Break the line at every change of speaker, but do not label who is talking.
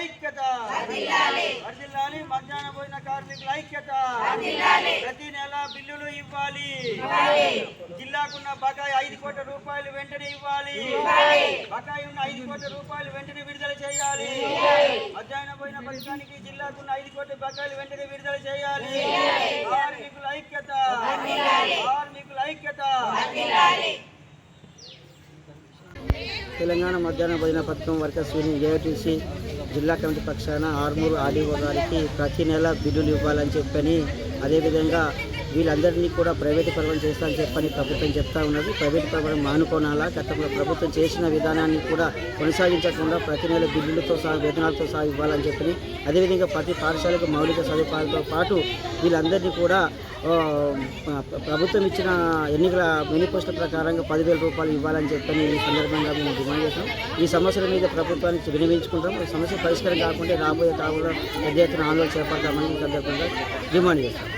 ఐక్యత వర్ధిల్లాలి మధ్యాహ్న భోజన కార్మికుల ఐక్యత ప్రతి నెల బిల్లులు ఇవ్వాలి జిల్లాకున్న బకాయి 5 కోట్ల రూపాయలు వెంటనే ఇవ్వాలి బకాయి ఉన్న 5 కోట్ల రూపాయలు వెంటనే విడుదల చేయాలి మధ్యాహ్న భోజన పథకానికి జిల్లాకున్న 5 కోట్ల బకాయిలు వెంటనే విడుదల చేయాలి కార్మికుల ఐక్యత కార్మికుల ఐక్యత
తెలంగాణ మధ్యాహ్న భోజన పథకం వర్కర్స్ యూనియన్ ఏఐటీసీ జిల్లా కమిటీ పక్షాన ఆర్మూరు ఆర్డీఓ గారికి ప్రతి నెల బిల్లులు ఇవ్వాలని చెప్పని, అదేవిధంగా వీళ్ళందరినీ కూడా ప్రైవేటు పరం చేస్తామని చెప్పని ప్రభుత్వం చెప్తా ఉన్నది. ప్రైవేటు పరం మానుకోనాలా, గతంలో ప్రభుత్వం చేసిన విధానాన్ని కూడా కొనసాగించకుండా ప్రతి నెల బిల్లులతో సహా వేతనాలతో సహా ఇవ్వాలని చెప్పని, అదేవిధంగా ప్రతి పాఠశాలకు మౌలిక సదుపాయాలతో పాటు వీళ్ళందరినీ కూడా ప్రభుత్వం ఇచ్చిన ఎన్నికల మేనిఫెస్టో ప్రకారంగా 10,000 రూపాయలు ఇవ్వాలని చెప్పని ఈ సందర్భంగా మేము డిమాండ్ చేస్తాం. ఈ సమస్యల మీద ప్రభుత్వానికి వినియోగించుకుంటాం. ఈ సమస్య పరిష్కారం కాకుండా రాబోయే కాలంలో పెద్ద ఎత్తున ఆందోళన చేపడతామని ఈ సందర్భంగా డిమాండ్ చేస్తాం.